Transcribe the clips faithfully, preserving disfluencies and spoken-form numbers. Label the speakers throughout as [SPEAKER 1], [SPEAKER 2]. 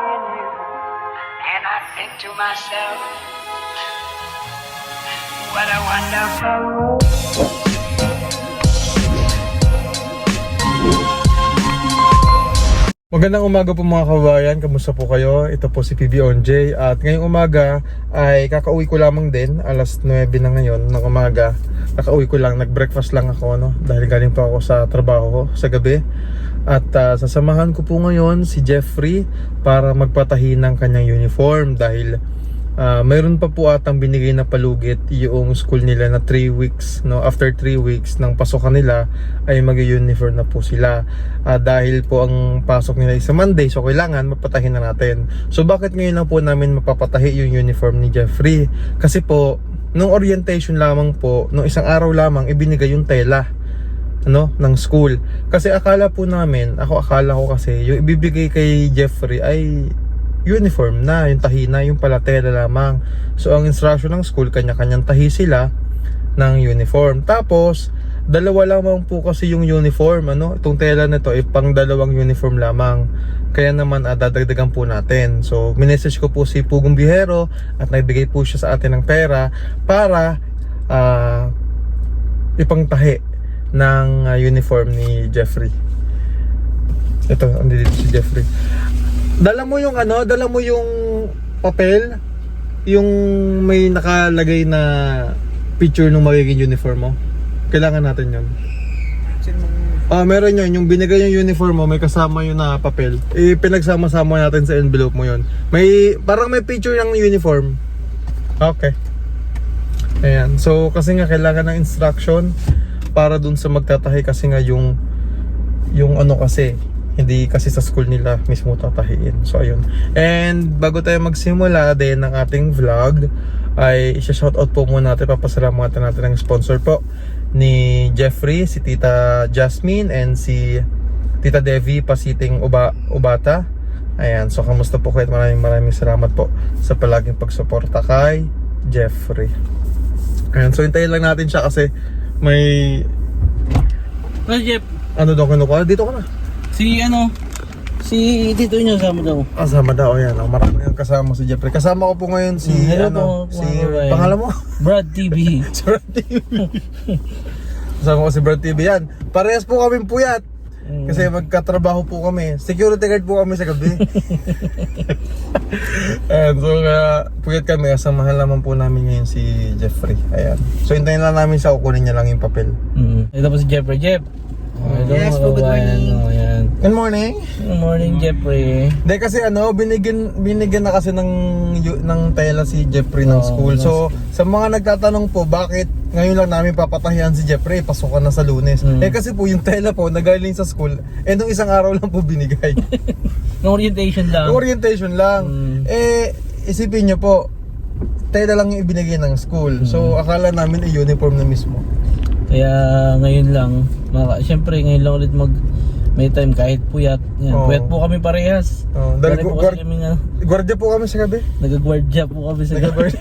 [SPEAKER 1] in you, and I think to myself, what a wonderful world.
[SPEAKER 2] Magandang umaga po mga kabayan, kamusta po kayo? Ito po si P B Onjay at ngayong umaga ay kakauwi ko lamang din, alas nuwebe na ngayon ng umaga. Kakauwi ko lang, nag-breakfast lang ako no? Dahil galing pa ako sa trabaho ko sa gabi. At uh, sasamahan ko po ngayon si Jeffrey para magpatahi ng kanyang uniform dahil Uh, mayroon pa po atang binigay na palugit yung school nila na three weeks no? After three weeks ng pasokan nila ay mag-uniform na po sila uh, dahil po ang pasok nila ay sa Monday, so kailangan mapatahin na natin. So bakit ngayon lang po namin mapapatahi yung uniform ni Jeffrey? Kasi po nung orientation lamang po, nung isang araw lamang ibinigay yung tela ano, ng school. Kasi akala po namin, ako akala ko kasi yung ibibigay kay Jeffrey ay uniform na, yung tahi na, yung pala tela lamang. So ang instruction ng school, kanya-kanyang tahi sila ng uniform. Tapos dalawa lamang po kasi yung uniform, ano, itong tela na to ay pang dalawang uniform lamang. Kaya naman ah, dadagdagan po natin. So minessage ko po si Pugong Bihero at nagbigay po siya sa atin ng pera para uh, ipangtahi ng uh, uniform ni Jeffrey. Ito, andito si Jeffrey. Dala mo yung ano, dala mo yung papel, yung may nakalagay na picture ng magiging uniform mo. Kailangan natin yun. Ah, meron yun, yung binigay yung uniform mo, may kasama yun na papel. Eh, pinagsama-sama natin sa envelope mo yun. May, parang may picture ng uniform. Okay. Ayan, so kasi nga kailangan ng instruction para dun sa magtatahi kasi nga yung, yung ano kasi, hindi kasi sa school nila mismo tatahiin. So ayun. And bago tayo magsimula din ng ating vlog, ay isa-shoutout po muna natin, papasalamatan natin ang sponsor po ni Jeffrey, si Tita Jasmine and si Tita Devi Pasiting Uba, Ubata. Ayan, so kamusta po kayo? Maraming maraming salamat po sa palaging pagsuporta kay Jeffrey. Ayan, so hintayin lang natin siya kasi may
[SPEAKER 3] Well, Jeff,
[SPEAKER 2] ano daw kinukuha? Dito ka na.
[SPEAKER 3] si ano, si Tito nyo sama daw.
[SPEAKER 2] Kasama daw, yan. Oh, marami yung kasama si Jeffrey. Kasama ko po ngayon si,
[SPEAKER 3] Mm, hello
[SPEAKER 2] ano,
[SPEAKER 3] po,
[SPEAKER 2] si,
[SPEAKER 3] mga kabayan.
[SPEAKER 2] pangalan mo?
[SPEAKER 3] Brad T V.
[SPEAKER 2] Si Brad T V. Kasama ko si Brad T V yan. Parehas po kaming puyat.
[SPEAKER 3] Mm.
[SPEAKER 2] Kasi magkatrabaho po kami. Security guard po kami sa gabi. And so, uh, puyat kami. Kasamahan naman po namin ngayon si Jeffrey. Ayan. So, hintayin lang namin siya. Kukunin niya lang yung papel.
[SPEAKER 3] Mm. Ito po si Jeffrey. Jeff. Oh, hello,
[SPEAKER 4] Yes
[SPEAKER 3] mga
[SPEAKER 4] po, good
[SPEAKER 3] kabayan.
[SPEAKER 4] morning.
[SPEAKER 3] Oh, yan.
[SPEAKER 2] Good morning.
[SPEAKER 3] Good morning, Jeffrey.
[SPEAKER 2] Hindi kasi ano, binigyan binigyan na kasi ng yu- ng tela si Jeffrey ng
[SPEAKER 3] Oo,
[SPEAKER 2] school.
[SPEAKER 3] ng
[SPEAKER 2] So, sa mga nagtatanong po, bakit ngayon lang namin papatahian si Jeffrey, pasukan na sa Lunes.
[SPEAKER 3] Mm.
[SPEAKER 2] Eh kasi po yung tela po nagaling sa school, eh nung isang araw lang po binigay.
[SPEAKER 3] No orientation lang.
[SPEAKER 2] Orientation lang.
[SPEAKER 3] Mm.
[SPEAKER 2] Eh isipin niyo po, tela lang yung ibinigay ng school. So, akala namin ay uniform na mismo.
[SPEAKER 3] Kaya ngayon lang, maka, syempre ngayon lang ulit mag may time kahit puyat. Yan,
[SPEAKER 2] Oo.
[SPEAKER 3] puyat po kami parehas.
[SPEAKER 2] Oh, dahil
[SPEAKER 3] Dahil po
[SPEAKER 2] gu-
[SPEAKER 3] kasi
[SPEAKER 2] guard-
[SPEAKER 3] kami nga,
[SPEAKER 2] Gwardiya po kami sa gabi.
[SPEAKER 3] nag-guardia po kami sa
[SPEAKER 2] Nagka-guard.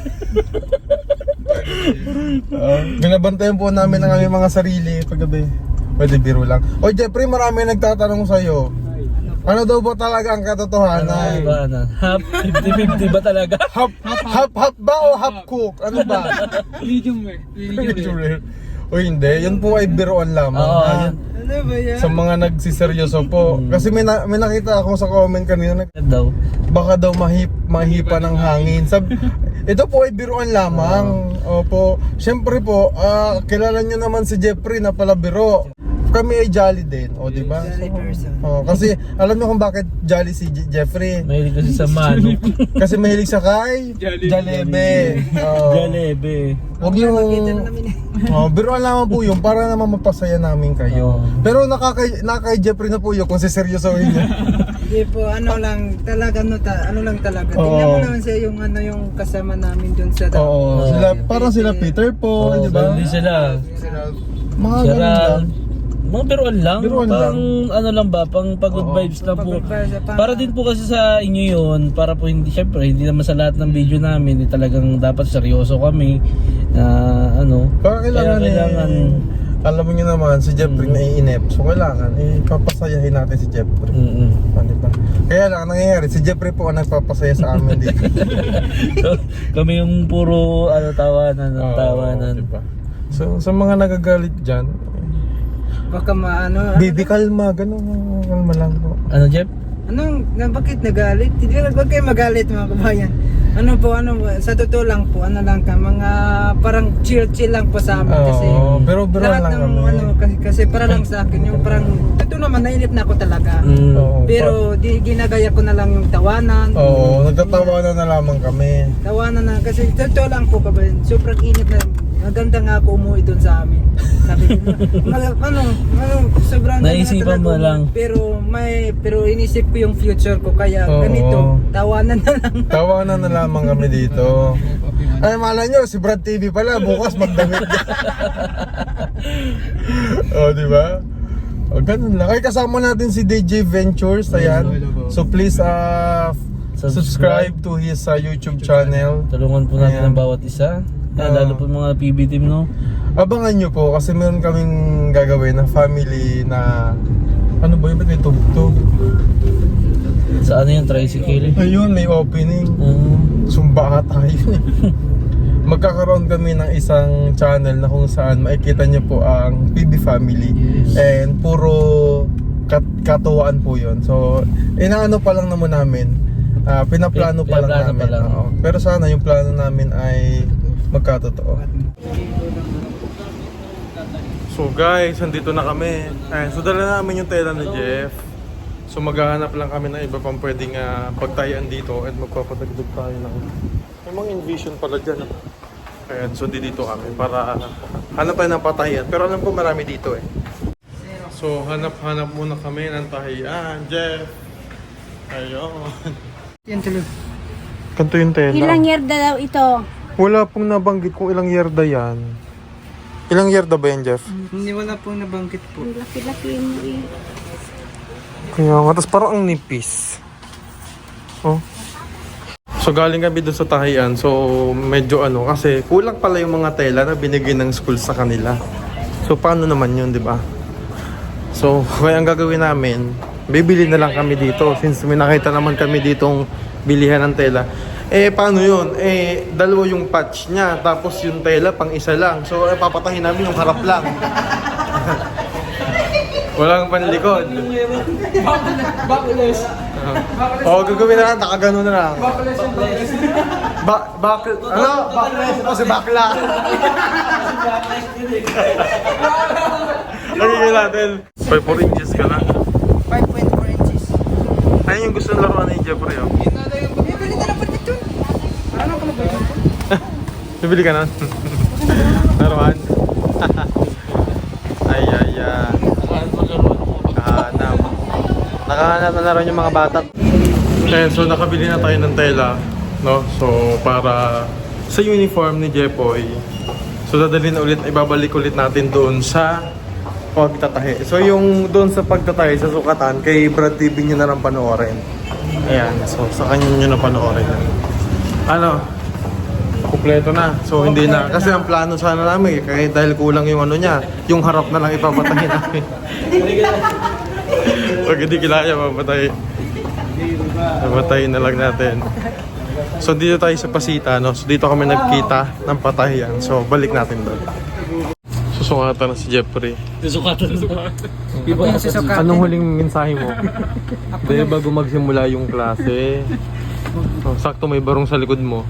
[SPEAKER 2] Uh, binabantayan po namin ang aming mga sarili paggabi. Pwede biro lang. O Jeffrey, marami nagtatanong sa'yo. Ano daw ba talaga ang
[SPEAKER 3] ano,
[SPEAKER 2] katotohanan?
[SPEAKER 3] ba, ano, half fifty fifty ba talaga?
[SPEAKER 2] Half, half, half ba o half cook? Ano ba?
[SPEAKER 4] Medium rare. Medium rare.
[SPEAKER 2] O hindi, yun po ay biroan lamang.
[SPEAKER 3] Oo.
[SPEAKER 2] Ha?
[SPEAKER 4] Ano ba yan?
[SPEAKER 2] Sa mga nagsiseryoso po. Kasi may, na, may nakita ako sa comment kanina, nag-
[SPEAKER 3] daw.
[SPEAKER 2] baka daw mahip, mahipa ng hangin. Sab ito po ay biruan lamang. Opo. Siyempre po, ah, kilala nyo naman si Jeffrey na pala biro. Kami ay jolly din, o di ba?
[SPEAKER 4] Jolly person.
[SPEAKER 2] Oh, kasi alam niyo kung bakit jolly si Je- Jeffrey?
[SPEAKER 3] Mahilig kasi sa manok.
[SPEAKER 2] Kasi mahilig sa kay Jalebe. Oh.
[SPEAKER 3] Jalebe.
[SPEAKER 2] Huwag
[SPEAKER 4] Makita na
[SPEAKER 2] yung
[SPEAKER 4] namin.
[SPEAKER 2] oh, biruan lamang po yun para naman mapasaya namin kayo.
[SPEAKER 3] Oo.
[SPEAKER 2] Pero nakakay nakakay Jeffrey na po yun kung siseryosohin niya.
[SPEAKER 4] Hindi po, ano lang, talaga, ano, ta, ano lang talaga. Tingnan
[SPEAKER 2] Oo.
[SPEAKER 4] mo naman siya yung, ano, yung kasama namin dun sa...
[SPEAKER 2] Oo,
[SPEAKER 3] Oo.
[SPEAKER 2] sila parang sila Peter Paul,
[SPEAKER 3] Oo,
[SPEAKER 2] di ba?
[SPEAKER 3] hindi sila.
[SPEAKER 2] Mga ganun
[SPEAKER 3] Sira,
[SPEAKER 2] lang.
[SPEAKER 3] mga biruan lang.
[SPEAKER 2] Biruan
[SPEAKER 3] pang
[SPEAKER 2] lang.
[SPEAKER 3] ano lang ba, pang pagod
[SPEAKER 2] Oo.
[SPEAKER 3] vibes lang po.
[SPEAKER 4] Pagod vibes, pang-
[SPEAKER 3] Para din po kasi sa inyo yun, para po hindi, syempre, hindi naman sa lahat ng video namin, hindi talagang dapat seryoso kami. Na ano,
[SPEAKER 2] Parang kailangan,
[SPEAKER 3] kaya kailangan
[SPEAKER 2] eh, alam mo nyo naman, si Jeffrey naiinip. So kailangan, eh, papasayahin natin si Jeffrey.
[SPEAKER 3] Mm-mm.
[SPEAKER 2] Ah, diba? Kaya lang, ang nangyayari, si Jeffrey po ang nagpapasaya sa amin dito.
[SPEAKER 3] So, kami yung puro ano, tawanan,
[SPEAKER 2] Oo,
[SPEAKER 3] tawanan.
[SPEAKER 2] diba? So, sa mga nagagalit dyan,
[SPEAKER 4] Baka maano.
[SPEAKER 2] baby kalma, gano'n, kalma lang po.
[SPEAKER 3] Ano, Jeff?
[SPEAKER 4] Anong, na, bakit nagalit? Hindi na, wag kayo magalit mga kabayan. Ano po, ano, sa totoo lang po, ano lang ka, mga parang chill-chill lang po sa amin kasi.
[SPEAKER 2] Oo, pero biro
[SPEAKER 4] lahat
[SPEAKER 2] lang
[SPEAKER 4] ng,
[SPEAKER 2] kami.
[SPEAKER 4] ano, kasi, kasi para lang sa akin, yung parang, totoo naman, nainip na ako talaga.
[SPEAKER 3] Mm.
[SPEAKER 2] Oo,
[SPEAKER 4] Pero di, ginagaya ko na lang yung tawanan.
[SPEAKER 2] Oo, nagtatawanan na lamang kami.
[SPEAKER 4] Tawanan na, kasi totoo lang po kabayan, sobrang inip na, maganda nga ako umuwi doon sa amin. Sabi ko, mag, ano, ano, sobrang ganda
[SPEAKER 3] Naisipan
[SPEAKER 4] talaga
[SPEAKER 3] mo
[SPEAKER 4] umuwi.
[SPEAKER 3] lang.
[SPEAKER 4] Pero may, pero inisip ko yung future ko, kaya
[SPEAKER 2] Oo.
[SPEAKER 4] ganito, tawanan na lang.
[SPEAKER 2] Tawanan na lamang kami dito. Ay, malay nyo, si Brad T V pala, bukas magdamit ka. O, di ba? O, ganun lang. Ay, kasama natin si D J Ventures, ayan. So, please, uh, subscribe to his uh, YouTube channel.
[SPEAKER 3] Tulungan po natin
[SPEAKER 2] Ayan.
[SPEAKER 3] ang bawat isa. Yan,
[SPEAKER 2] Oo.
[SPEAKER 3] lalo po yung mga P B team, no?
[SPEAKER 2] Abangan nyo po, kasi meron kaming gagawin na family na... Ano ba yun? Ba't may tugtog?
[SPEAKER 3] Sa ano yung tricycle?
[SPEAKER 2] Ayun, may opening.
[SPEAKER 3] Um,
[SPEAKER 2] Sumba ka tayo eh. Magkakaroon kami ng isang channel na kung saan makikita nyo po ang P B Family. And puro kat katuwaan po yun. So, inaano pa lang naman namin. ah, pinaplano pa lang
[SPEAKER 3] Pinaplano
[SPEAKER 2] namin.
[SPEAKER 3] pa lang.
[SPEAKER 2] Oo. Pero sana yung plano namin ay magkatotoo. So guys, andito na kami. Ayan, so dala namin yung tela ni Jeff. So maghahanap lang kami ng iba pang pwedeng uh, pagtayan dito at magpapadagdag tayo ng may mga envision pala dyan. ah. Ayan, so di dito kami para uh, hanap tayo ng patayan. Pero alam ko marami dito eh. So hanap-hanap muna kami ng tahiyan. Jeff! Ayun.
[SPEAKER 4] Yan tuloy.
[SPEAKER 2] Kanto yung tela.
[SPEAKER 5] Ilang yarda daw ito?
[SPEAKER 2] Wala pong nabanggit kung ilang yarda yan. Ilang yarda ba yan, Jeff?
[SPEAKER 4] Hindi wala pong nabanggit po.
[SPEAKER 5] Ang laki-laki mo eh.
[SPEAKER 2] Kaya nga, tapos parang ang nipis. Oh. So galing kami doon sa tahian, so medyo ano, kasi kulang pala yung mga tela na binigay ng school sa kanila. So paano naman yun, di ba? So kaya ang gagawin namin, bibili na lang kami dito since may nakita naman kami ditong bilihan ng tela. Eh paano yun? Eh dalawa yung patch niya, tapos yung tela pang isa lang. So eh, papatahin namin yung harap lang. Walang panlikod.
[SPEAKER 4] Bakulos.
[SPEAKER 2] Oo, oh, gagawin na lang, nakagano na lang. Ba bak ano? Backless ito si bakla. Lagyan natin. five four inches ka na.
[SPEAKER 4] five point four inches.
[SPEAKER 2] Ayun yung gusto ng laruan ni Jeffrey, oh.
[SPEAKER 4] Yun na lang yung bibili na lang dito. Ano ka mag-bili?
[SPEAKER 2] Bibili ka na? Laruan? Ay, ay, ay. Nakahanap. Nakahanap na naroon yung mga bata. Okay, so nakabili na tayo ng tela, no? So, para sa uniform ni Jepoy. So, dadalhin na ulit, ibabalik ulit natin doon sa pagtatahi. So, yung doon sa pagtatahi, sa sukatan, kay Brad T V nyo na lang panoorin. Ayan, so sa kanya nyo na panoorin. Ano? Kompleto na. So, hindi na. Kasi ang plano sana namin, kahit dahil kulang yung ano niya, yung harap na lang ipapatahin namin. Pag hindi kilaya, mapatay. Mapatayin na lang natin. So dito tayo sa Pasita, no? So dito kami nagkita ng patahian. So balik natin doon. Susukatan na si Jeffrey.
[SPEAKER 3] susukatan na.
[SPEAKER 4] Iba yung susukatan.
[SPEAKER 2] Anong huling mensahe mo? Dahil bago magsimula yung klase. So, sakto may barong sa likod mo.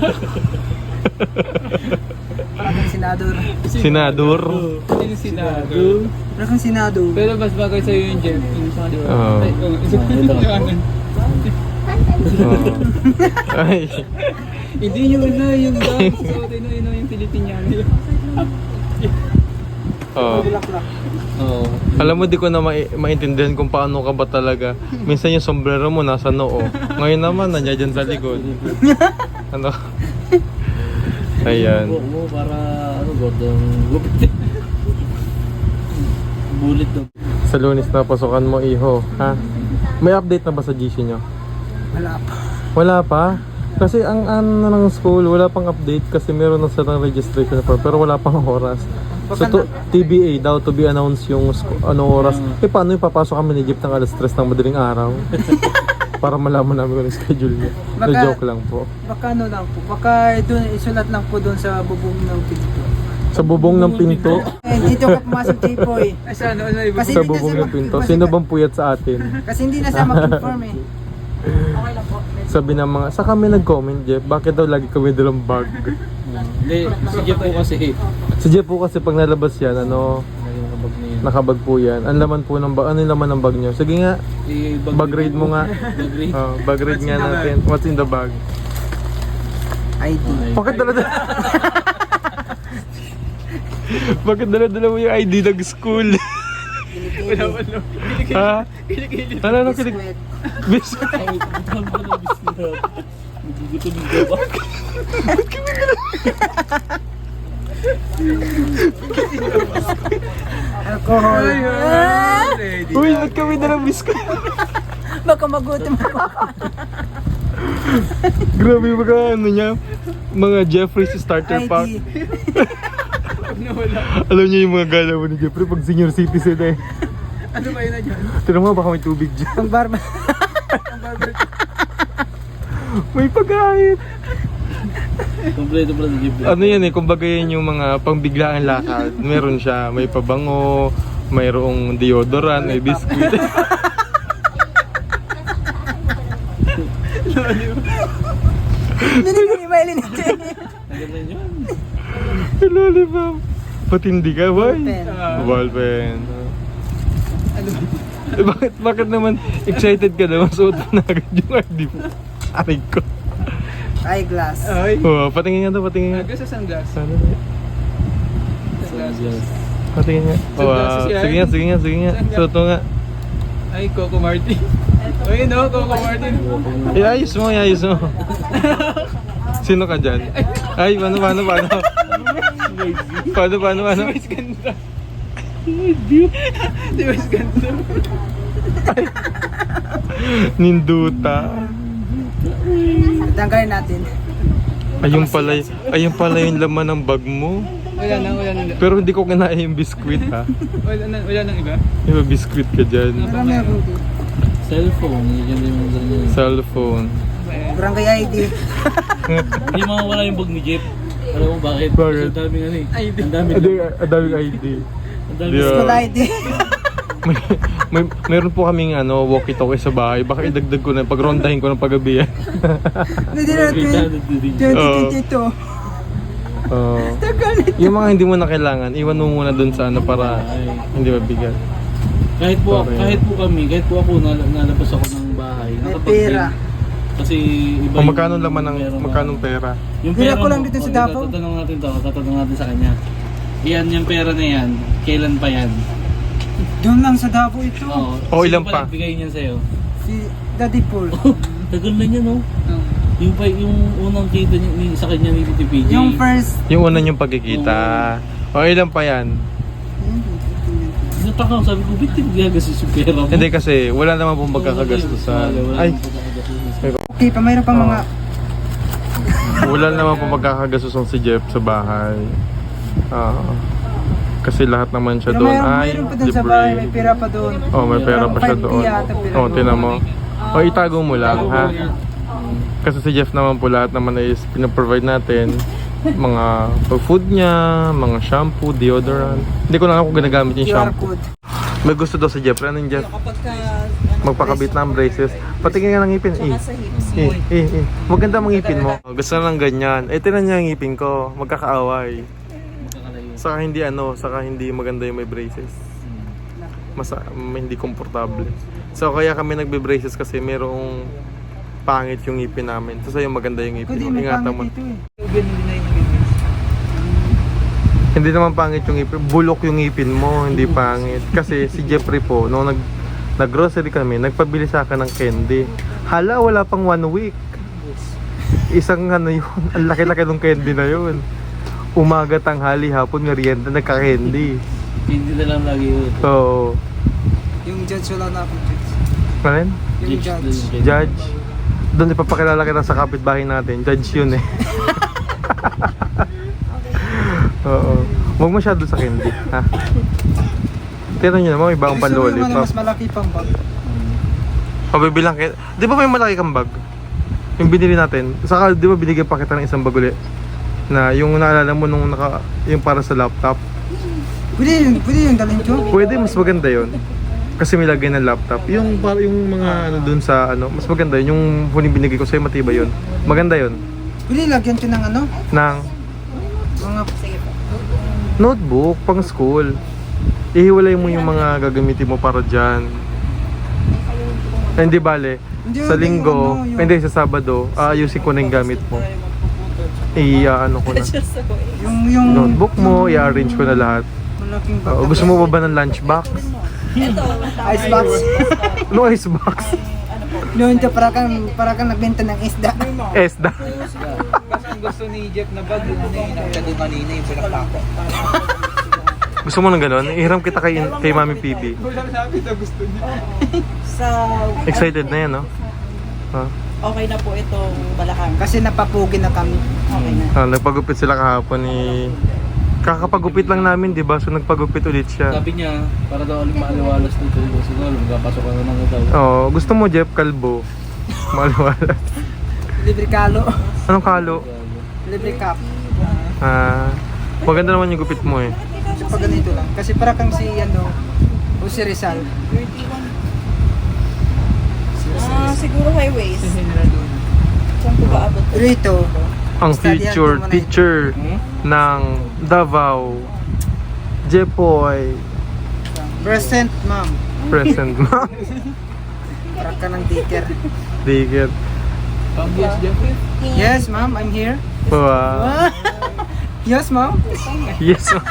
[SPEAKER 4] Parang senador.
[SPEAKER 2] Senador.
[SPEAKER 6] Yung sinado.
[SPEAKER 4] Parang senador.
[SPEAKER 6] Pero mas bagay sa'yo yung Jeff. Yung sa di ba?
[SPEAKER 2] Oo.
[SPEAKER 6] Ay, oh, yung amin.
[SPEAKER 2] Oh. Ay.
[SPEAKER 6] Hindi yun na yung dance. So, yun na yun yung Filipiniano.
[SPEAKER 2] Oh.
[SPEAKER 3] Oo.
[SPEAKER 2] Alam mo, di ko na mai- maintindihan kung paano ka ba talaga. Minsan yung sombrero mo nasa noo. Ngayon naman, nandiyan dyan sa likod. Ano? Ayan.
[SPEAKER 3] Buhok mo para ano, gordong gupit. Bullet daw.
[SPEAKER 2] Sa Lunes na pasukan mo, iho. Ha? May update na ba sa G C nyo?
[SPEAKER 4] Wala pa.
[SPEAKER 2] Wala pa? Kasi ang ano ng school, wala pang update kasi meron na silang registration form pero wala pang oras. So to, T B A daw to be announced yung sco- ano oras. Eh paano yung papasok kami ni Jeep ng alas tres ng madaling araw? Para malaman namin kung ano yung schedule niya. Na
[SPEAKER 4] Baka-
[SPEAKER 2] joke lang po.
[SPEAKER 4] Baka ano lang po, baka doon isulat lang po doon sa bubong ng pinto.
[SPEAKER 2] Sa bubong ng pinto.
[SPEAKER 4] Eh, dito ka pumasok, Jipoy.
[SPEAKER 6] Ay, sa ano, ano, iba?
[SPEAKER 4] Kasi
[SPEAKER 2] Sa
[SPEAKER 4] hindi na
[SPEAKER 2] bubong
[SPEAKER 4] siya
[SPEAKER 2] ng pinto.
[SPEAKER 4] mag-
[SPEAKER 2] Sino bang puyat sa atin?
[SPEAKER 4] Kasi hindi na siya mag-inform eh.
[SPEAKER 2] Sabi ng mga, sa kami nag-comment Jeff, bakit daw lagi kami dalang bag?
[SPEAKER 3] Hindi, si Jeff po kasi.
[SPEAKER 2] Si Jeff po kasi pag nalabas yan, ano,
[SPEAKER 3] Nakabag na yun.
[SPEAKER 2] nakabag po yan. Ang laman po ng bag, ano yung laman ng bag niyo? Sige nga,
[SPEAKER 3] Eh,
[SPEAKER 2] bag raid mo nga.
[SPEAKER 3] Bag raid.
[SPEAKER 2] Oh, bag raid nga natin. What's in the bag?
[SPEAKER 4] I D.
[SPEAKER 2] Bakit dala-dala? Bakit dala-dala mo yung I D ng school?
[SPEAKER 6] Wala, wala.
[SPEAKER 2] ha?
[SPEAKER 6] Kilikili.
[SPEAKER 2] Ano, ano, kilig?
[SPEAKER 4] Sweat.
[SPEAKER 2] Bis?
[SPEAKER 3] Ay, gutom ko na biskuit. Nagugutom yung gawa.
[SPEAKER 4] Alcohol.
[SPEAKER 6] Ready.
[SPEAKER 2] Uy, ba't kami dalang biscuit?
[SPEAKER 4] Baka magutom ako.
[SPEAKER 2] Grabe yung mga ano niya, mga Jeffrey's starter
[SPEAKER 4] I
[SPEAKER 2] pack.
[SPEAKER 4] D.
[SPEAKER 6] Nawala.
[SPEAKER 2] Alam niyo yung mga galaw ni Jeffrey pag senior citizen eh.
[SPEAKER 6] Ano ba yun na dyan?
[SPEAKER 2] Tira mo, baka may tubig dyan.
[SPEAKER 4] Pang barba.
[SPEAKER 2] May pagkain.
[SPEAKER 3] Kompleto pala si Jeff.
[SPEAKER 2] Ano yan eh, kumbaga yan yung mga pangbiglaang lakad. Meron siya, may pabango, mayroong deodorant, may biscuit.
[SPEAKER 4] Binibili ba ilin ito?
[SPEAKER 3] Naganda yun.
[SPEAKER 2] Lollipop. Patindi ka, boy.
[SPEAKER 4] Pen.
[SPEAKER 2] Ballpen. Eh, bakit, bakit naman excited ka na? Masuot mo na agad yung I D mo. Aray ko.
[SPEAKER 4] Eyeglass.
[SPEAKER 6] Ay.
[SPEAKER 2] Oh, patingin nga to, patingin nga.
[SPEAKER 6] Hanggang sa sunglass.
[SPEAKER 2] Ano na?
[SPEAKER 6] Sunglasses.
[SPEAKER 2] Patingin nga. Oh,
[SPEAKER 6] Sunglasses
[SPEAKER 2] ah,
[SPEAKER 6] yan.
[SPEAKER 2] sige nga, sige nga, sige nga. Suot mo nga.
[SPEAKER 6] Ay, Coco Martin. Ay, no, Coco Martin.
[SPEAKER 2] Iayos mo, iayos mo. Sino ka dyan? Ay, paano, paano, paano? Paano, paano, paano?
[SPEAKER 6] Si Wes ganda. Si Wes ganda.
[SPEAKER 2] Ninduta.
[SPEAKER 4] Tanggalin natin.
[SPEAKER 2] Ayun pala, y- ayun pala yung laman ng bag mo.
[SPEAKER 6] Wala na, wala na.
[SPEAKER 2] Pero hindi ko kinain yung biskwit ha.
[SPEAKER 6] Wala na, wala nang iba.
[SPEAKER 2] Yung may biskwit ka dyan.
[SPEAKER 4] Marami akong dito.
[SPEAKER 3] Cellphone, yun yung mga ganyan.
[SPEAKER 2] Cellphone.
[SPEAKER 4] Barangay I D.
[SPEAKER 3] Hindi mawawala yung bag ni Jeff. Alam mo bakit?
[SPEAKER 2] Bakit?
[SPEAKER 3] Kasi ang daming ano eh.
[SPEAKER 6] I D.
[SPEAKER 3] Ang daming
[SPEAKER 2] Adi, adaming I D.
[SPEAKER 3] Ang daming
[SPEAKER 2] Yeah.
[SPEAKER 4] School I D.
[SPEAKER 2] May, may, meron po kaming ano, walkie-talkie sa bahay. Baka idagdag ko na, pagrondahin ko ng paggabi yan.
[SPEAKER 4] Hindi na twenty twenty-two.
[SPEAKER 2] Oo. Yung mga hindi mo na kailangan, iwan mo muna dun sa ano para hindi mabigat.
[SPEAKER 3] Kahit po,
[SPEAKER 2] Okay.
[SPEAKER 3] kahit po kami, kahit po ako nal- nalabas ako ng bahay.
[SPEAKER 4] May
[SPEAKER 3] nakapag-train.
[SPEAKER 4] pera.
[SPEAKER 3] Kasi iba
[SPEAKER 2] Kung magkano laman ng,
[SPEAKER 3] pera mo.
[SPEAKER 2] magkano pera.
[SPEAKER 3] Yung
[SPEAKER 4] Pera
[SPEAKER 3] pera
[SPEAKER 4] ko lang
[SPEAKER 3] mo,
[SPEAKER 4] dito sa
[SPEAKER 3] oh,
[SPEAKER 4] Davao.
[SPEAKER 3] Tatanong natin to, tatanong natin sa kanya. Yan, yung pera na yan, kailan pa yan?
[SPEAKER 4] Doon lang sa Davao ito.
[SPEAKER 3] Oo.
[SPEAKER 2] Oh,
[SPEAKER 3] Sino
[SPEAKER 2] ilan
[SPEAKER 3] pa
[SPEAKER 2] pa?
[SPEAKER 3] nagbigay niyan sa'yo?
[SPEAKER 4] Si Daddy Paul.
[SPEAKER 3] Tagal na niya, no? Yung pa yung unang kita ni, ni- sa kanya ni Titi P J.
[SPEAKER 4] Yung first.
[SPEAKER 2] Yung una niyong pagkikita. O ilan pa yan?
[SPEAKER 3] Nataka ko, sabi ko, bitin gagastos yung pera mo.
[SPEAKER 2] Hindi kasi wala naman pong magkakagastusan.
[SPEAKER 3] Wala
[SPEAKER 2] Ay,
[SPEAKER 3] namang pagkakagastusan.
[SPEAKER 4] Okay, pa mayroon pang
[SPEAKER 2] Oo.
[SPEAKER 4] mga
[SPEAKER 2] wala naman pong magkakagastusan si Jeff sa bahay. Ah, kasi lahat naman siya
[SPEAKER 4] Pero
[SPEAKER 2] doon
[SPEAKER 4] mayroon,
[SPEAKER 2] ay
[SPEAKER 4] mayroon pa doon sa bahay, may pera pa doon.
[SPEAKER 2] Oh, may pera pa siya
[SPEAKER 4] Parang
[SPEAKER 2] doon.
[SPEAKER 4] five K yata pera
[SPEAKER 2] Oh,
[SPEAKER 4] doon.
[SPEAKER 2] tinan mo. O itago mo lang ha. Kasi si Jeff naman po lahat naman is pinaprovide natin mga food niya, mga shampoo, deodorant. Hindi ko lang ako ginagamit yung
[SPEAKER 4] Q R
[SPEAKER 2] shampoo.
[SPEAKER 4] code.
[SPEAKER 2] May gusto daw si Jeff. Ano yung Jeff? Magpakabit ng braces. Patingin nga ng ngipin. Eh, eh, eh, eh. Maganda mga ngipin mo. Gusto na lang ganyan. Eh, tinan niya yung ngipin ko. Magkakaaway. Saka hindi ano, saka hindi maganda yung may braces. Mas hindi komportable. So kaya kami nagbe-braces kasi merong pangit yung ngipin namin. So sa'yo maganda yung ngipin
[SPEAKER 4] Kundi
[SPEAKER 2] mo.
[SPEAKER 4] may
[SPEAKER 2] Ingatan mo.
[SPEAKER 4] pangit ito eh.
[SPEAKER 6] Ugan hindi na yung gagawin.
[SPEAKER 2] Hindi naman pangit yung ngipin. Bulok yung ngipin mo, hindi pangit. Kasi si Jeffrey po, nung nag nag-grocery kami, nagpabili sa akin ng candy. Hala, wala pang one week. Isang ano yun, ang laki-laki ng candy na yun. Umaga, tanghali, hapon, merienda, nagka-candy.
[SPEAKER 3] Hindi na lang lagi yun.
[SPEAKER 2] So,
[SPEAKER 4] Yung judge wala na ako judge.
[SPEAKER 2] ano yun?
[SPEAKER 4] Yung
[SPEAKER 3] Judge
[SPEAKER 4] judge.
[SPEAKER 3] din yung
[SPEAKER 2] Judge. Doon ipapakilala kita sa kapitbahay natin. Judge yun eh. Oo. Huwag masyado sa candy, ha? Tira nyo naman, may bagong
[SPEAKER 4] Gusto mo naman
[SPEAKER 2] panlolipop.
[SPEAKER 4] mas malaki pang bag.
[SPEAKER 2] Pabibilang kita. Di ba may malaki kang bag? Yung binili natin. Saka di ba binigyan pa kita ng isang bag uli? Na yung naalala mo nung naka, yung para sa laptop.
[SPEAKER 4] Pwede yun, pwede yung dalhin ko.
[SPEAKER 2] Pwede, mas maganda yun. Kasi may lagay ng laptop. Yung para yung mga ano dun sa ano, mas maganda yun. Yung huling binigay ko sa'yo, matibay yun. Maganda yun.
[SPEAKER 4] Pwede lagyan ko ng ano?
[SPEAKER 2] Ng
[SPEAKER 4] Mga...
[SPEAKER 2] notebook, pang school. Ihiwalay mo yung mga gagamitin mo para dyan. Hindi bale.
[SPEAKER 4] Hindi,
[SPEAKER 2] Sa
[SPEAKER 4] yung
[SPEAKER 2] linggo,
[SPEAKER 4] ano, yung-
[SPEAKER 2] hindi sa Sabado, aayusin ko na yung gamit mo. I-ano ko na.
[SPEAKER 4] Yung, yung...
[SPEAKER 2] Notebook mo, i-arrange ko na lahat.
[SPEAKER 4] Malaking bag.
[SPEAKER 2] Oo, gusto mo ba ba ng lunchbox?
[SPEAKER 4] Icebox.
[SPEAKER 2] No icebox.
[SPEAKER 4] Noon ka para kang, para kang nagbenta ng isda.
[SPEAKER 2] Esda.
[SPEAKER 6] Kasi ang gusto ni Jeff na bag, yun na yun. Nakita ko kanina yung pinaklako.
[SPEAKER 2] Gusto mo ng ganon? Ihiram kita kay, kay Mami P B.
[SPEAKER 6] Wala sabi na gusto niya.
[SPEAKER 5] Sa,
[SPEAKER 2] Excited na yan, no? Ah,
[SPEAKER 5] okay na po itong balakang.
[SPEAKER 4] Kasi napapugi na kami.
[SPEAKER 5] Okay na.
[SPEAKER 2] ah, nagpagupit sila kahapon ni... Kakapagupit lang namin, di ba? So nagpagupit ulit siya.
[SPEAKER 3] Sabi niya, para daw ulit maaliwalas dito. Siguro, magkapasok ka na ng utaw.
[SPEAKER 2] Oo, gusto mo Jeff Kalbo? Maliwala.
[SPEAKER 4] Libre kalo.
[SPEAKER 2] Anong kalo?
[SPEAKER 4] Libre cup.
[SPEAKER 2] Ah, maganda naman yung gupit mo eh.
[SPEAKER 4] So pag ganito lang. Kasi para kang si ano, o si Rizal.
[SPEAKER 5] Ah, siguro highways. Saan ko ba abot?
[SPEAKER 4] Rito.
[SPEAKER 2] Ang
[SPEAKER 4] Study
[SPEAKER 2] future
[SPEAKER 4] natin muna
[SPEAKER 2] teacher ng Davao, Jepoy,
[SPEAKER 4] Present, ma'am.
[SPEAKER 2] present ma'am.
[SPEAKER 4] Para ka ng teacher.
[SPEAKER 2] Digit.
[SPEAKER 6] Pambias Jeff.
[SPEAKER 4] Yes, ma'am. I'm here.
[SPEAKER 2] Wow.
[SPEAKER 4] Yes, ma'am.
[SPEAKER 2] Yes ma'am.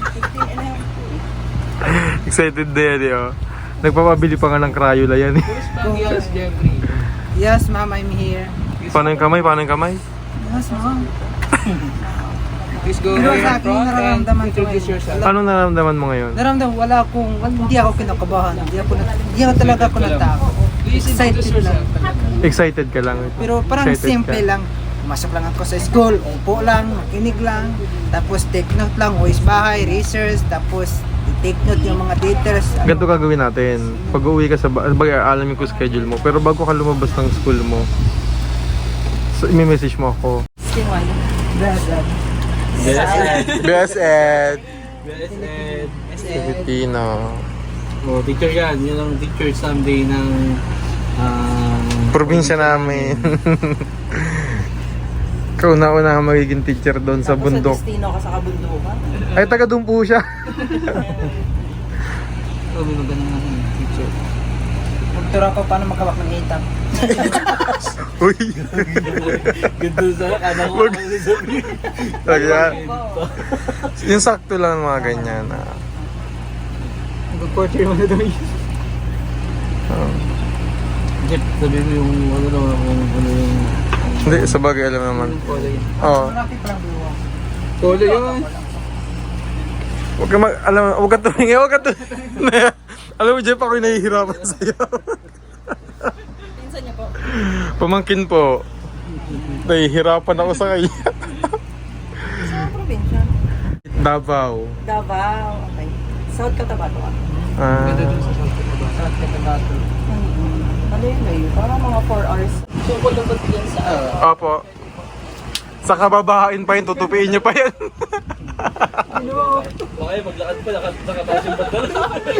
[SPEAKER 2] Excited na yan eh, oh. Nagpapabili pa nga ng Crayola yan eh.
[SPEAKER 6] Pambias Jeffrey.
[SPEAKER 4] Yes, ma'am. I'm here.
[SPEAKER 2] Paano yung kamay? Paano yung kamay?
[SPEAKER 4] Yes, ma'am.
[SPEAKER 6] Please go
[SPEAKER 4] Pero
[SPEAKER 6] here
[SPEAKER 4] sa
[SPEAKER 6] in
[SPEAKER 4] akin,
[SPEAKER 6] front and
[SPEAKER 4] nararamdaman ko
[SPEAKER 6] introduce
[SPEAKER 4] ngayon.
[SPEAKER 6] yourself.
[SPEAKER 2] Anong nararamdaman mo ngayon?
[SPEAKER 4] Naramdaman, wala akong, hindi ako kinakabahan. Hindi ako, na- hindi ako talaga ako natakot.
[SPEAKER 6] Please
[SPEAKER 4] Excited
[SPEAKER 6] introduce
[SPEAKER 4] lang.
[SPEAKER 6] yourself.
[SPEAKER 2] Excited ka lang.
[SPEAKER 4] Pero parang
[SPEAKER 2] Excited
[SPEAKER 4] simple
[SPEAKER 2] ka.
[SPEAKER 4] lang. Masok lang ako sa school, upo lang, makinig lang, tapos take note lang, uwis bahay, research, tapos take note yung mga details. ano.
[SPEAKER 2] Ganito gagawin natin. Pag uwi ka sa ba- bagay, alamin ko schedule mo. Pero bago ka lumabas ng school mo, so, i-message mo ako.
[SPEAKER 4] Dad, dad.
[SPEAKER 2] B S Ed.
[SPEAKER 3] B S Ed.
[SPEAKER 2] Filipino.
[SPEAKER 3] Oh, teacher yan. Yun ang teacher someday ng... ah,
[SPEAKER 2] Probinsya namin. Kauna-una ka magiging teacher doon sa bundok.
[SPEAKER 5] Sa destino ka sa kabundukan.
[SPEAKER 2] Ay, taga doon po siya.
[SPEAKER 6] Oh, may magandang ano, teacher.
[SPEAKER 4] Magturo ako paano magkawak ng hitap.
[SPEAKER 2] Uy.
[SPEAKER 3] Ganda sa kana ko.
[SPEAKER 2] Wag. Kaya, yung sakto lang mga ganyan. Ah.
[SPEAKER 4] Mag-quarter mo na daw yun.
[SPEAKER 2] Oh.
[SPEAKER 3] Jeff, sabi mo yung ano daw, kung ano yung...
[SPEAKER 2] Hindi, sa bagay alam naman. Oo.
[SPEAKER 4] Marami pa lang buwa.
[SPEAKER 6] Polo yun.
[SPEAKER 2] Huwag ka mag, alam, huwag ka tumingin, huwag ka tumingin. Alam mo, Jeff, ako'y nahihirapan sa'yo.
[SPEAKER 5] Pinsan niya po.
[SPEAKER 2] Pamangkin po. Nahihirapan ako sa kanya.
[SPEAKER 5] Sa probinsya?
[SPEAKER 2] Davao.
[SPEAKER 5] Davao. Okay. South Cotabato ka.
[SPEAKER 2] Ah,
[SPEAKER 5] Ano yun na yun? Parang mga four hours. Tungkol lang ba yan sa...
[SPEAKER 2] opo. Sa kababahain pa yun, tutupiin niyo pa yan.
[SPEAKER 3] Baka yung maglakad pa, lakad nakataas yung bandal.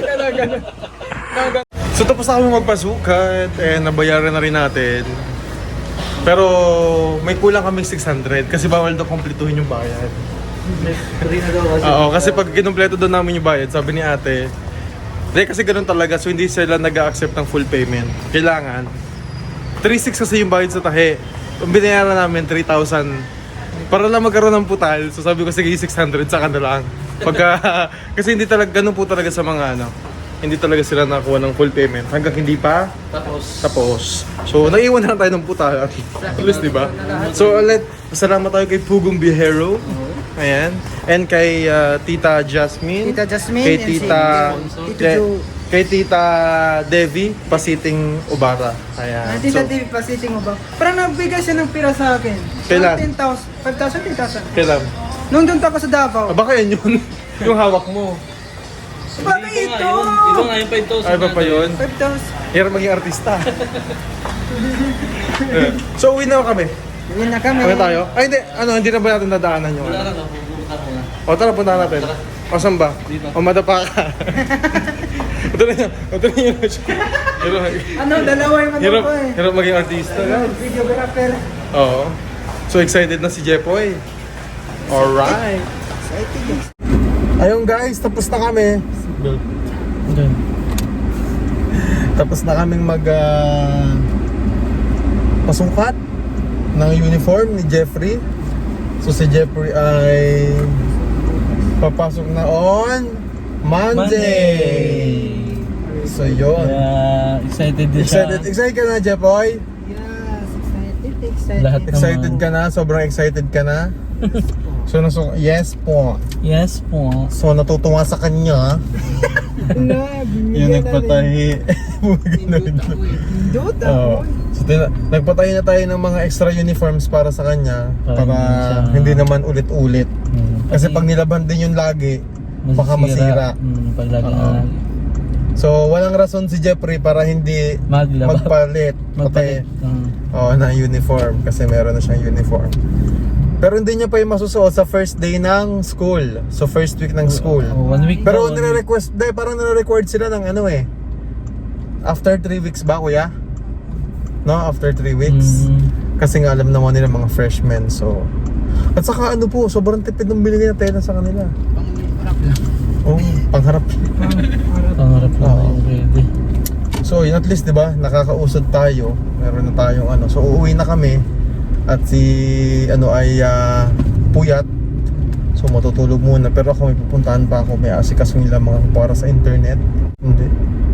[SPEAKER 2] So tapos na kami magpasukat, eh nabayaran na rin natin. Pero may kulang kaming six hundred kasi bawal daw kumpletuhin yung bayad.
[SPEAKER 3] Hindi na daw kasi.
[SPEAKER 2] Oo, kasi pag kinumpleto daw namin yung bayad, sabi ni ate, hindi kasi ganun talaga, so hindi sila nag-accept ng full payment. Kailangan. three six kasi yung bayad sa tahe. Ang binayaran namin, three thousand. Para lang magkaroon ng putal, so sabi ko, sige, six hundred, saka na lang. Pagka, kasi hindi talaga, ganun po talaga sa mga ano, hindi talaga sila nakuha ng full payment hanggang hindi pa
[SPEAKER 3] Tapos,
[SPEAKER 2] tapos. So, naiwan na lang tayo ng putal. At least, di ba? So, ulit, salamat tayo kay Pugong Bihero. Ayan. And kay uh, Tita Jasmine.
[SPEAKER 4] Tita Jasmine
[SPEAKER 2] Kay
[SPEAKER 4] and si
[SPEAKER 2] Tita...
[SPEAKER 4] Tito Jo.
[SPEAKER 2] kay Tita Devi Pasiting Ubara. Ayan.
[SPEAKER 4] Ah, Tita
[SPEAKER 2] So,
[SPEAKER 4] T V pa sitting mo ba? Parang nagbigay siya ng pira sa akin.
[SPEAKER 2] Kailan?
[SPEAKER 4] ten thousand, five thousand, ten thousand.
[SPEAKER 2] kailan?
[SPEAKER 4] Nung doon ako sa Davao.
[SPEAKER 2] Ah, baka yan yun. Yung hawak mo.
[SPEAKER 4] Bakit
[SPEAKER 3] Ito
[SPEAKER 4] ito?
[SPEAKER 3] nga yun. Ito nga yung five thousand.
[SPEAKER 2] Ay, ba pa yun?
[SPEAKER 4] five thousand.
[SPEAKER 2] Hirap maging artista. Eh, so, uwi na kami.
[SPEAKER 4] Yun na kami.
[SPEAKER 2] Kami tayo? Ay, hindi. Ano, hindi na ba natin dadaanan yung
[SPEAKER 3] Wala
[SPEAKER 2] ano?
[SPEAKER 3] lang, pupunta ko na.
[SPEAKER 2] O, tara, punta natin. O, saan ba?
[SPEAKER 3] Dito.
[SPEAKER 2] O, madapa ka. Ito na yun. Ito na yun. Hirap,
[SPEAKER 4] Ano, dalawa yung ano
[SPEAKER 2] hirap,
[SPEAKER 4] ko eh.
[SPEAKER 2] hirap maging artista. guys.
[SPEAKER 4] Videographer.
[SPEAKER 2] Oo. So, excited na si Jepoy. Alright.
[SPEAKER 4] Excited.
[SPEAKER 2] Ayun guys, tapos na kami.
[SPEAKER 3] Doon.
[SPEAKER 2] Tapos na kaming mag ah, pasukat ng uniform ni Jeffrey. So si Jeffrey ay papasok na on Monday. So yun.
[SPEAKER 3] Kaya excited din siya.
[SPEAKER 2] Excited, excited ka na, Jeffoy?
[SPEAKER 4] Yes, excited, excited.
[SPEAKER 3] Lahat ng-
[SPEAKER 2] Excited ka na? Sobrang excited ka na? So naso, yes po.
[SPEAKER 3] Yes po.
[SPEAKER 2] So natutuwa sa kanya. Yung nagpatahi.
[SPEAKER 4] Dot
[SPEAKER 2] Oo.
[SPEAKER 4] ako.
[SPEAKER 2] So, tina- nagpatahi na tayo ng mga extra uniforms para sa kanya.
[SPEAKER 3] Para
[SPEAKER 2] Para
[SPEAKER 3] hindi siya-
[SPEAKER 2] hindi naman ulit-ulit.
[SPEAKER 3] Hmm.
[SPEAKER 2] Kasi pag nilaban din yung lagi, baka masira.
[SPEAKER 3] Hmm, pag lagi
[SPEAKER 2] Oo.
[SPEAKER 3] na
[SPEAKER 2] So walang rason si Jeffrey para hindi
[SPEAKER 3] maglaba.
[SPEAKER 2] magpalit.
[SPEAKER 3] Magpalit.
[SPEAKER 2] Pati,
[SPEAKER 3] Hmm.
[SPEAKER 2] Oo, na uniform. Kasi meron na siyang uniform. Pero hindi niya pa yung masusuot sa first day ng school. So first week ng school.
[SPEAKER 3] Oh, one week
[SPEAKER 2] Pero
[SPEAKER 3] daw, one week.
[SPEAKER 2] nire-request, dahil parang nire-record sila ng ano eh. After three weeks ba, kuya? No, after three weeks.
[SPEAKER 3] Hmm.
[SPEAKER 2] Kasi nga alam naman nila mga freshmen, so... At saka ano po, sobrang tipid ng binigay na tela sa kanila.
[SPEAKER 6] Pang-harap lang.
[SPEAKER 2] Oh, pangharap.
[SPEAKER 3] Pangarap na
[SPEAKER 2] Oo.
[SPEAKER 3] yung pwede.
[SPEAKER 2] So yun, at least, di ba, nakakausad tayo. Meron na tayong ano. So uuwi na kami. At si, ano ay ah, puyat. So matutulog muna. Pero ako may pupuntahan pa ako. May asikasong nila mga para sa internet. Hindi.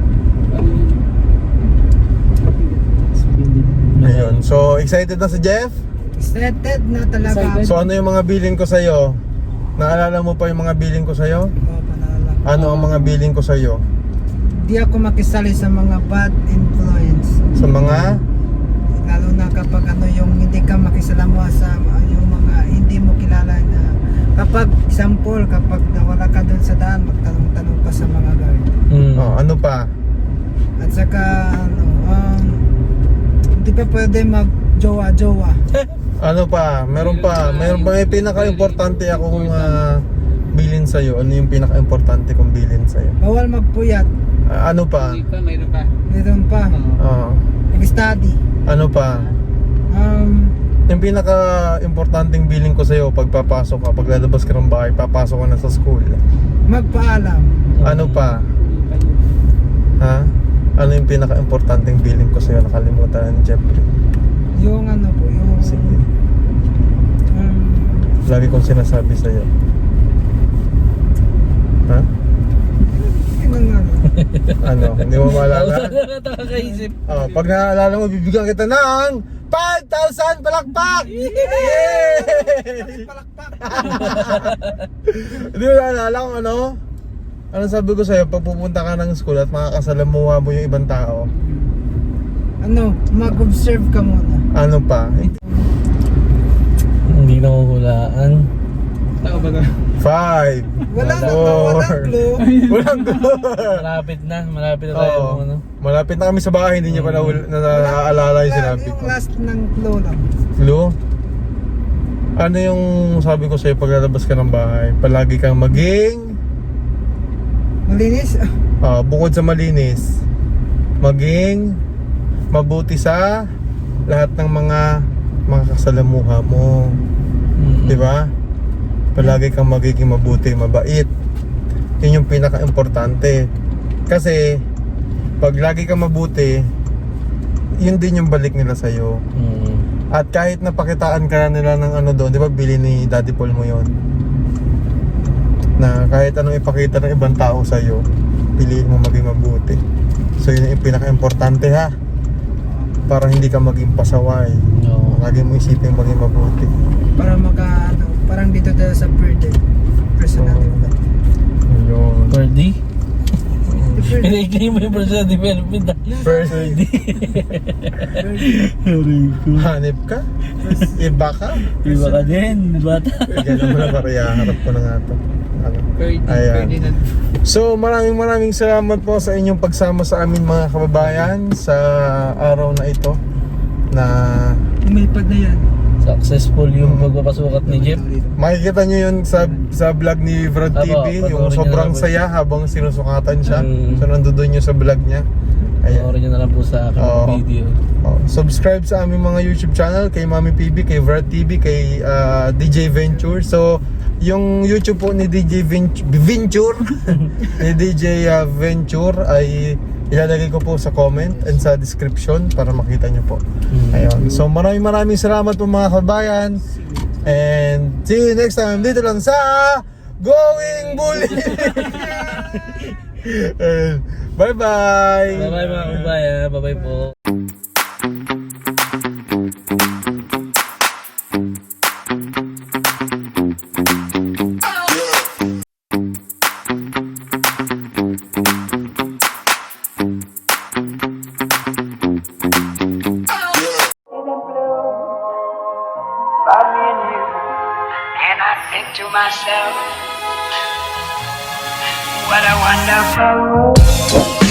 [SPEAKER 2] Ayun. So excited na si Jeff?
[SPEAKER 4] Excited na talaga ako.
[SPEAKER 2] So ano yung mga billing ko sa'yo? Naalala mo pa yung mga billing ko sa'yo?
[SPEAKER 4] Oo, panalala.
[SPEAKER 2] Ano ang mga billing ko sa'yo?
[SPEAKER 4] Di ako makisali sa mga bad influence.
[SPEAKER 2] Sa mga...
[SPEAKER 4] Lalo na kapag ano yung hindi ka makisalamuha sa yung mga hindi mo kilala na kapag example kapag nawala ka doon sa daan magtanong-tanong ka sa mga guard.
[SPEAKER 3] Hmm.
[SPEAKER 2] Oh, ano pa?
[SPEAKER 4] At saka ano um, hindi pa pwede mag jowa-jowa.
[SPEAKER 2] Ano pa? Meron pa. Meron pa. May pinaka-importante akong uh, bilin sa'yo. Ano yung pinaka-importante kong bilin sa'yo?
[SPEAKER 4] Bawal magpuyat.
[SPEAKER 2] Ah, ano pa?
[SPEAKER 6] Hindi pa, mayroon pa.
[SPEAKER 4] Meron pa.
[SPEAKER 2] Oo.
[SPEAKER 4] Mag-study.
[SPEAKER 2] Ano pa?
[SPEAKER 4] Um,
[SPEAKER 2] Yung pinaka-importanting bilin ko sa'yo pag papasok ka, pag lalabas ka ng bahay, papasok ka na sa school.
[SPEAKER 4] magpaalam.
[SPEAKER 2] Ano pa? Ha? Ano yung pinaka-importanting bilin ko sa'yo? Nakalimutan na ni Jeffrey.
[SPEAKER 4] Yung ano po, yung
[SPEAKER 2] Sige.
[SPEAKER 4] um,
[SPEAKER 2] Lagi kong sinasabi sa'yo. Ha?
[SPEAKER 4] yung ano.
[SPEAKER 2] Ano? Hindi mo maalala?
[SPEAKER 3] Nakakaisip.
[SPEAKER 2] Oh, pag naalala mo, bibigyan kita ng five thousand palakpak! Yay!
[SPEAKER 4] Palakpak.
[SPEAKER 2] Hindi mo naalala kung ano? Ano sabi ko sa'yo, pag pupunta ka ng school at makakasalamuha mo yung ibang tao,
[SPEAKER 4] Ano, mag-observe ka muna.
[SPEAKER 2] ano pa?
[SPEAKER 3] Hindi na huhulaan.
[SPEAKER 6] Tao ba na?
[SPEAKER 2] Five!
[SPEAKER 4] Wala na,
[SPEAKER 2] Four.
[SPEAKER 4] walang clue.
[SPEAKER 2] Walang clue!
[SPEAKER 3] Malapit na, malapit na tayo.
[SPEAKER 2] Oo.
[SPEAKER 3] Ano?
[SPEAKER 2] Malapit na kami sa bahay, hindi niya pa na, na, naaalala yung
[SPEAKER 4] Wala,
[SPEAKER 2] sinabi
[SPEAKER 4] yung
[SPEAKER 2] ko.
[SPEAKER 4] last ng clue lang.
[SPEAKER 2] Clue? Ano yung sabi ko sa'yo pag lalabas ka ng bahay? Palagi kang maging...
[SPEAKER 4] Malinis?
[SPEAKER 2] Ah, bukod sa malinis, maging mabuti sa lahat ng mga mga kasalamuha mo.
[SPEAKER 3] Mm-mm.
[SPEAKER 2] 'Di ba? Palagi kang magiging mabuti, mabait. 'Yun yung pinaka-importante. Kasi pag lagi kang mabuti, yun din yung balik nila sa iyo.
[SPEAKER 3] Mm.
[SPEAKER 2] At kahit napakitaan ka na nila ng ano doon, 'di ba bili ni Daddy Paul mo 'yon? Na kahit anong ipakita ng ibang tao sa iyo, piliin mo maging mabuti. So yun yung pinaka-importante ha. Para hindi ka maging pasaway.
[SPEAKER 3] No.
[SPEAKER 2] Lagi mo isipin maging mabuti.
[SPEAKER 4] Para maka, ano, parang dito tayo sa burden. Personal
[SPEAKER 2] Oo.
[SPEAKER 4] development.
[SPEAKER 2] Yun.
[SPEAKER 3] Birdie? Pinaikli mo yung personal development. ah.
[SPEAKER 2] First,
[SPEAKER 3] Aray ko.
[SPEAKER 2] hanip ka? Iba ka?
[SPEAKER 3] Iba ka din, bata.
[SPEAKER 2] Ganun mo na pare, harap ko na nga to. Ano?
[SPEAKER 6] Ferdy,
[SPEAKER 2] Ayan.
[SPEAKER 6] Ferdinand.
[SPEAKER 2] So maraming maraming salamat po sa inyong pagsama sa amin mga kababayan sa araw na ito na
[SPEAKER 4] Umipad na yan.
[SPEAKER 3] Successful yung pagpapasukat ni Jeff.
[SPEAKER 2] makikita nyo yun sa sa vlog ni Vrad T V,
[SPEAKER 3] Apo,
[SPEAKER 2] yung
[SPEAKER 3] panoorin nyo
[SPEAKER 2] sobrang
[SPEAKER 3] na lang po.
[SPEAKER 2] saya habang sinusukatan siya.
[SPEAKER 3] Mm.
[SPEAKER 2] So nandun nyo sa vlog niya. Ayan.
[SPEAKER 3] Panoorin nyo na lang po sa aking
[SPEAKER 2] Oo.
[SPEAKER 3] video.
[SPEAKER 2] Oh, subscribe sa aming mga YouTube channel kay Mami P B, kay Vrad T V, kay ah, D J Venture. So yung YouTube po ni D J Venture, Venture ni D J ah, Venture ay ilalagay ko po sa comment and sa description para makita nyo po.
[SPEAKER 3] Mm.
[SPEAKER 2] Ayun. So maraming maraming salamat po mga kabayan. And see you next time dito lang sa Going Bully. Bye bye.
[SPEAKER 3] Bye-bye mga kabayan. Bye-bye po.
[SPEAKER 1] About me and you, and I think to myself, what a wonderful world.